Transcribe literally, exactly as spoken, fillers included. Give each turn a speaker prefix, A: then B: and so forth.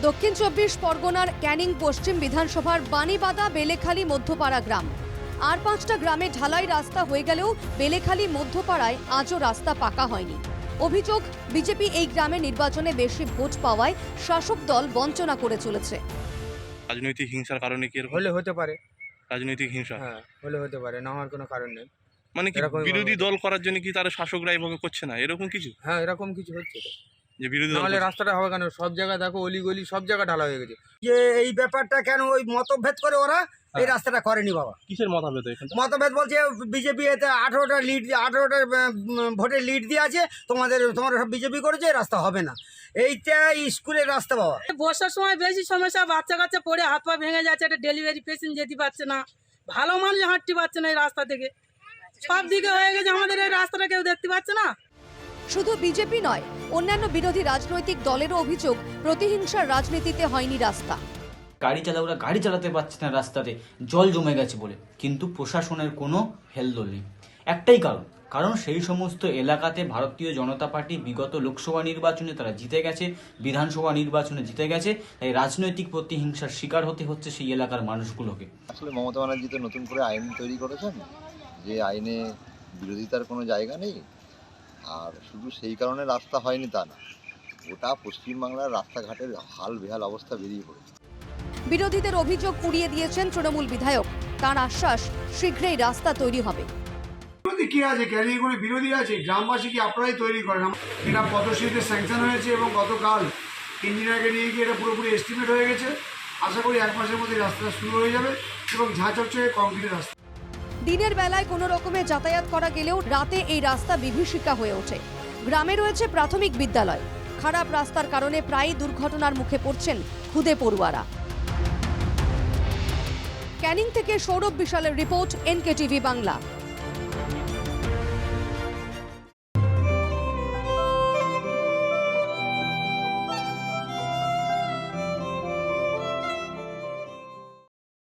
A: দক্ষিণ চব্বিশ পরগনার ক্যানিং পশ্চিম বিধানসভার বাণীবাদা বেলেখালী মধ্যপাড়া গ্রাম। আর পাঁচটা গ্রামে ঢালাই রাস্তা হয়ে গেলেও বেলেখালী মধ্যপাড়ায় আজও রাস্তা পাকা হয়নি। অভিযোগ, বিজেপি এই গ্রামে নির্বাচনে বেশি ভোট পাওয়ায় শাসক দল বঞ্চনা করে চলেছে।
B: রাজনৈতিক হিংসার কারণে কি এরকম?
C: হলে হতে পারে।
B: রাজনৈতিক হিংসা,
C: হ্যাঁ হলে হতে পারে, না হওয়ার কোনো কারণ নেই।
B: মানে কি
C: এরকমই
B: বিরোধী
C: ভাবে।
B: দল করার জন্য কি তারা শাসকরা এভাবে করছে না, এরকম কিছু?
C: হ্যাঁ এরকম কিছু হচ্ছে তো।
B: যে বিরোধী দল
C: নাহলে
B: করছে।
C: রাস্তাটা হবে কেন? সব জায়গায় দেখো অলি গলি সব জায়গা ঢালা হয়ে গেছে।
D: যে এই ব্যাপারটা কেন ওই মতভেদ করে ওরা এই রাস্তাটা করেনি বাবা।
B: কিসের মতভেদ এখানে?
D: মতভেদ বলছে বিজেপি এতে আঠেরোটা লিড আঠেরোটা ভোটের লিড দিয়ে আছে, তোমাদের তোমরা সব বিজেপি করেছে, এই রাস্তা হবে না। এইটা স্কুলের রাস্তা বাবা।
E: বর্ষার সময় বেশি সমস্যা, বাচ্চা কাচ্চা পড়ে হাত পা ভেঙে যাচ্ছে, একটা ডেলিভারি পেশেন্ট যেতে পারছে না, ভালো মানুষ হাঁটতে পারছে না এই রাস্তা থেকে। সব দিকে হয়ে গেছে, আমাদের এই রাস্তাটা কেউ দেখতে পাচ্ছে না।
A: শুধু বিজেপি নয়, অন্যান্য বিরোধী রাজনৈতিক দলেরও অভিযোগ, প্রতিহিংসার রাজনীতিতে হয়নি রাস্তা।
F: গাড়ি চালকরা গাড়ি চালাতে পারছে না রাস্তাতে, জল জমে গেছে বলে, কিন্তু প্রশাসনের কোনো হেলদোল নেই। একটাই কারণ, কারণ সেই সমস্ত এলাকাতে ভারতীয় জনতা পার্টি বিগত লোকসভা নির্বাচনে তারা জিতে গেছে, বিধানসভা নির্বাচনে জিতে গেছে, তাই রাজনৈতিক প্রতিহিংসার শিকার হতে হচ্ছে সেই এলাকার মানুষগুলোকে।
G: আসলে মমতা ব্যানার্জি তো নতুন করে আইন তৈরি করেছেন, যে আইনে বিরোধিতার কোনো জায়গা নেই। আর শুধু সেই কারণে রাস্তা হয়নি তা না, গোটা পশ্চিমবাংলার রাস্তাঘাটের হাল বেহাল অবস্থা বেরিয়ে পড়েছে।
A: বিরোধীদের অভিযোগ উড়িয়ে দিয়েছেন তৃণমূল বিধায়ক। তার আশ্বাস, শীঘ্রই রাস্তা তৈরি হবে।
H: বিরোধী কি আছে? ক্যানিং কোনো বিরোধী আছে? গ্রামবাসী কি আপনারাই তৈরি করেন? এটা পদশ্রীতে স্যাংশন হয়েছে এবং গতকাল ইঞ্জিনিয়ারকে নিয়ে গিয়ে এটা পুরোপুরি এস্টিমেট হয়ে গেছে। আশা করি এক মাসের মধ্যে রাস্তা শুরু হয়ে যাবে এবং ঝাঁ চকচকে কংক্রিটের রাস্তা।
A: দিনের বেলায় কোনো রকমে যাতায়াত করা গেলেও রাতে এই রাস্তা বিভীষিকা হয়ে ওঠে। গ্রামে রয়েছে প্রাথমিক বিদ্যালয়। খারাপ রাস্তার কারণে প্রায়ই দুর্ঘটনার মুখে পড়ছেন খুদে পড়ুয়ারা। ক্যানিং থেকে সৌরভ বিশালের রিপোর্ট, এনকে টিভি বাংলা।